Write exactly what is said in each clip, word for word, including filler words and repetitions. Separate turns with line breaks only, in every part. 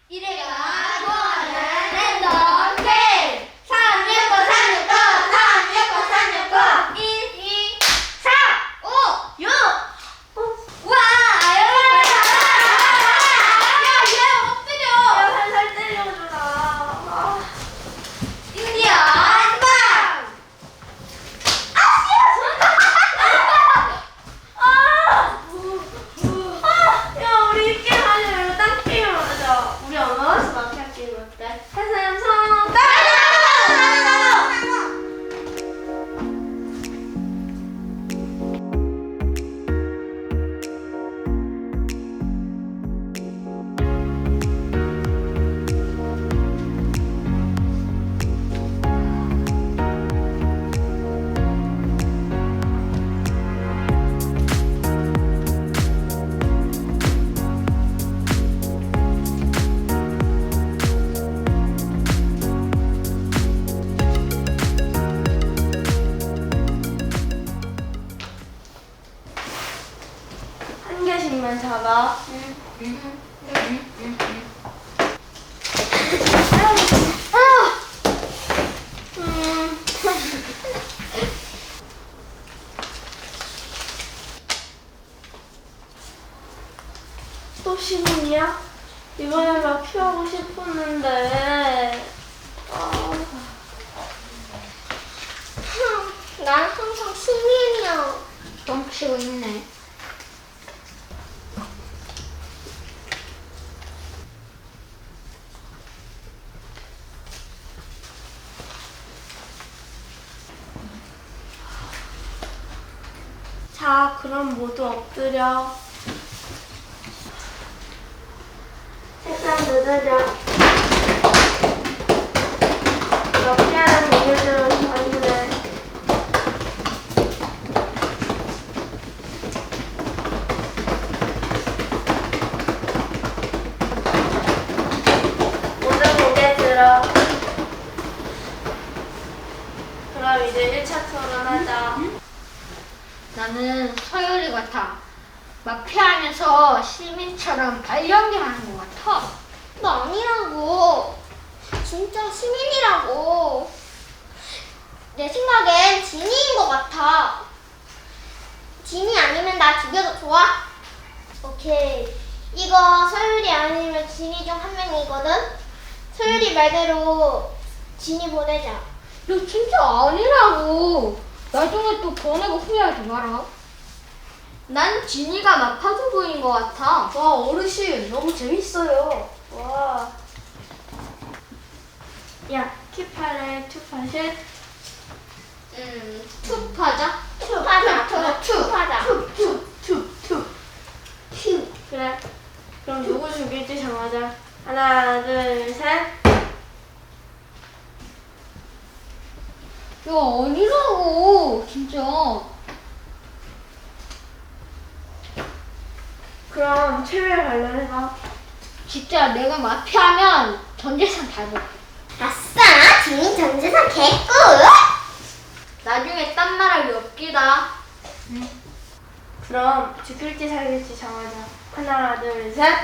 이래가 좋아하는 랜덤 게임 삼육구 삼육구 삼육구 삼육구 일, 이, 삼, 오, 육 와! 여기 야, 얘 엎드려!
야, 살살 때려주라.
드디어 한방! 아,
아, 야, 우리 이 게임 하지 말고 딴 게임 하자. 우리 어나운서 마피아 게임 어때? 해서 영상 한 개씩만 잡아. 음. 또 시민이야? 이번에 막 피하고 싶었는데. 아.
난 항상 시민이야. 뻥치고 있네.
자, 그럼 모두 엎드려. 책상 누르려. 마피아는 이유대로 자유래. 모두 고개 들어. 그럼 이제 일 차 토론하자.
나는 서열이 같아. 마피아하면서 시민처럼 발연기하는 것 같아. 나 아니라고. 진짜 시민이라고. 내 생각엔 진이인 것 같아. 진이 아니면 나 죽여도 좋아? 오케이. 이거 서율이 아니면 진이 중 한 명이거든? 서율이 말대로 진이 보내자. 야, 진짜 아니라고. 나중에 또 보내고 후회하지 마라. 난 진이가 마파두 보인 것 같아.
와, 어르신 너무 재밌어요. 와. 야, 큐파래, 투파실.
음, 투파자?
투파자,
투, 투,
투파자.
투, 투, 투, 투.
큐. 그래. 그럼 누구 죽일지 정하자. 하나, 둘, 셋.
야, 아니라고. 진짜.
그럼 최후의 반론해봐.
진짜 내가 마피아면 전 재산 다 먹게.
아싸! 진이 전재산 개꿀!
나중에 딴 말할 리 없기다.
그럼 죽일지 살릴지 정하자. 하나, 둘, 셋.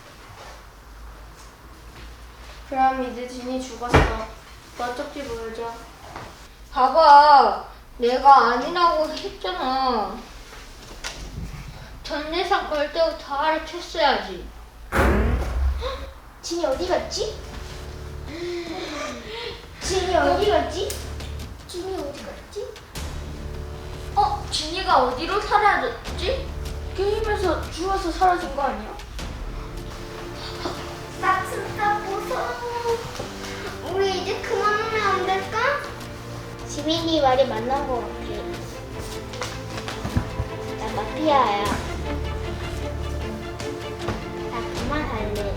그럼 이제 진이 죽었어. 너 쪽지 보여줘.
봐봐. 내가 아니라고 했잖아. 전 재산 걸 때부터 알아챘어야지.
진이 어디 갔지? 진이 어디 갔지? 진이 어디 갔지?
어? 진이가 어디로 사라졌지?
게임에서 죽어서 사라진 거 아니야?
나 진짜 무서워. 우리 이제 그만하면 안 될까? 지민이 말이 맞는 것 같아. 나 마피아야. 나 그만할래.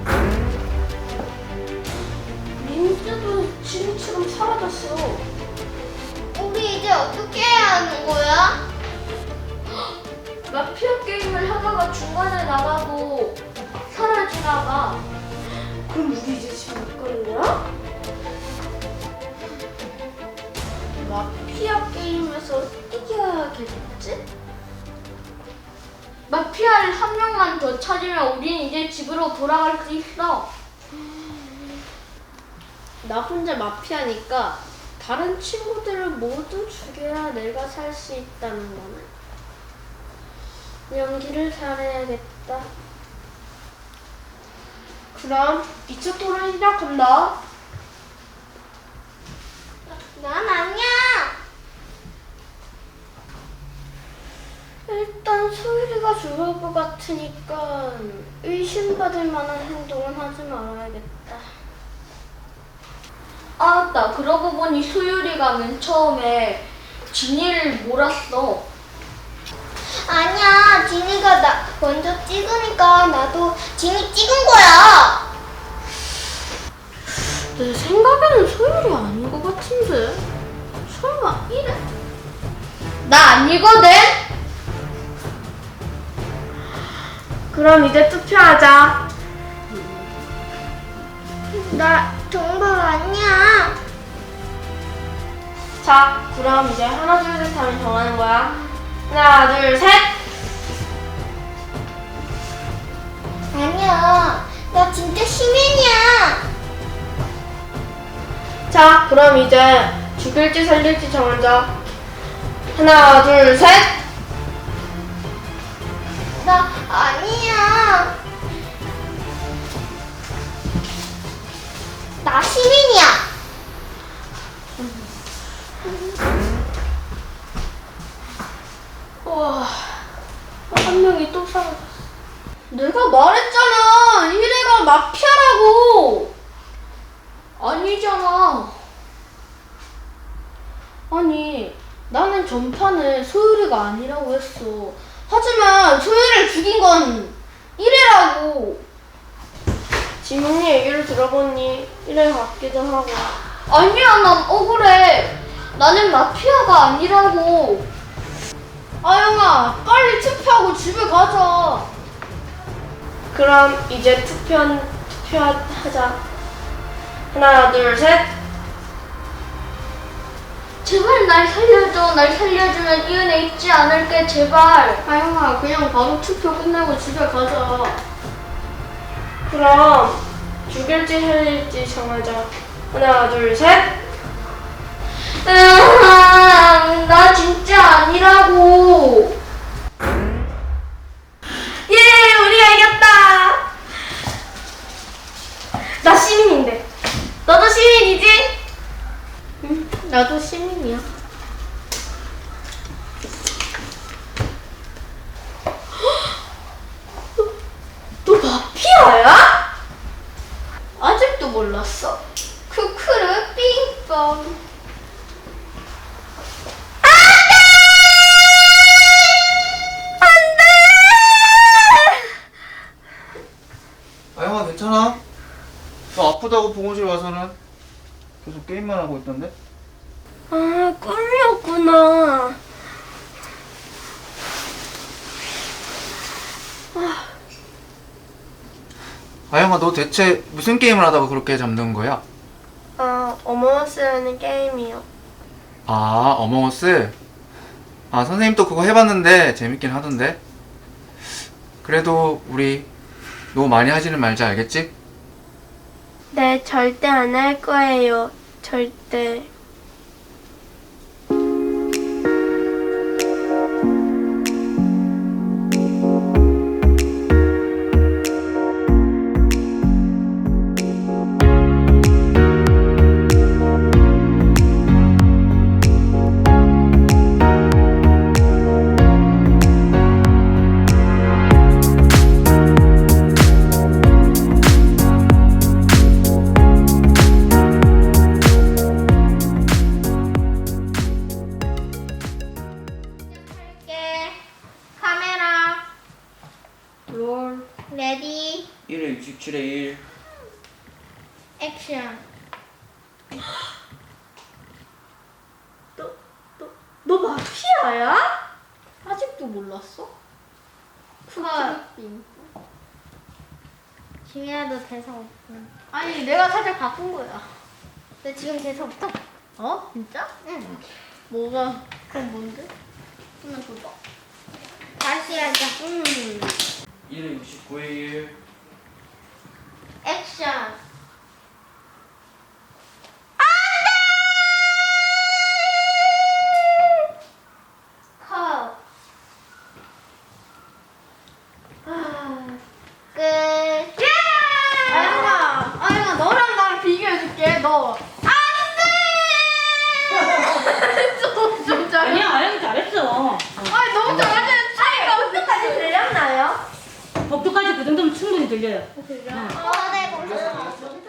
민주도 진이처럼 사라졌어.
우리 이제 어떻게 해야 하는 거야?
마피아 게임을 하다가 중간에 나가고 사라지나 봐. 그럼 우리 이제 집에 못 가는 거야? 마피아 게임에서 이겨야겠지?
마피아를 한 명만 더 찾으면 우린 이제 집으로 돌아갈 수 있어.
나 혼자 마피아니까 다른 친구들을 모두 죽여야 내가 살 수 있다는 거네. 연기를 잘해야겠다. 그럼 이 차 토론 시작한다.
난 아니야.
일단 소율이가 죽을 것 같으니까 의심받을 만한 행동은 하지 말아야겠다. 아, 나 그러고 보니 소율이가 맨 처음에 진이를 몰았어.
아니야. 진이가 나 먼저 찍으니까 나도 진이 찍은 거야.
내 생각에는 소율이 아닌 것 같은데. 설마 이래? 나 아니거든? 그럼 이제 투표하자.
나 정말 아니야.
자, 그럼 이제 하나, 둘, 셋 하면 정하는 거야. 하나, 둘, 셋!
아니야. 나 진짜 시민이야.
자, 그럼 이제 죽일지 살릴지 정하자. 하나, 둘, 셋!
나 아니야. 나 시민이야.
우와, 한 명이 또 사라졌어. 내가 말했잖아! 이래가 마피아라고! 아니잖아. 아니, 나는 전판에 소율이가 아니라고 했어. 하지만 소율이를 죽인 건 이래라고. 지문이 얘기를 들어보니 이래 같기도 하고. 아니야, 난 억울해. 나는 마피아가 아니라고. 아영아, 빨리 투표하고 집에 가자. 그럼 이제 투표, 투표하자. 하나, 둘, 셋. 제발 날 살려줘. 날 살려주면 이 은혜 잊지 않을게, 제발. 아영아, 그냥 바로 투표 끝내고 집에 가자. 그럼 죽일지 살릴지 정하자. 하나, 둘, 셋. 으아, 나 진짜 아니라고. 예, 우리가 이겼다. 나 시민인데. 너도 시민이지? 응, 나도 시민이야. 너, 너 마피아야? 아직도 몰랐어? 크크르 삥뻥.
아영아 괜찮아? 너 아프다고 보건실 와서는 계속 게임만 하고 있던데?
아, 꿀이었구나.
아영아 너 대체 무슨 게임을 하다가 그렇게 잠든 거야?
아, 어머어스라는 게임이요.
아 어몽어스? 아 선생님도 그거 해봤는데 재밌긴 하던데 그래도 우리 너무 많이 하지는 말자 알겠지?
네, 절대 안 할 거예요. 절대.
할게. 카메라.
롤.
레디.
일에 육십칠에 일
액션.
너, 너, 너 마피아야? 아직도 몰랐어?
헐.
쿨.
지민아 너 대사 없어.
아니 내가 살짝 바꾼 거야.
너 지금 대사 없다.
어? 진짜?
응.
뭐가? 그럼 뭔데? 한번 줘봐.
다시 하자.
음.
일에 육십구에 일
액션.
해 너. 진짜.
아니야, 아영이 잘했어.
아니 너무 잘하는 차이가
어디까지 들렸나요?
법도까지 그 정도면 충분히 들려요.
어, 네, 감사합니다.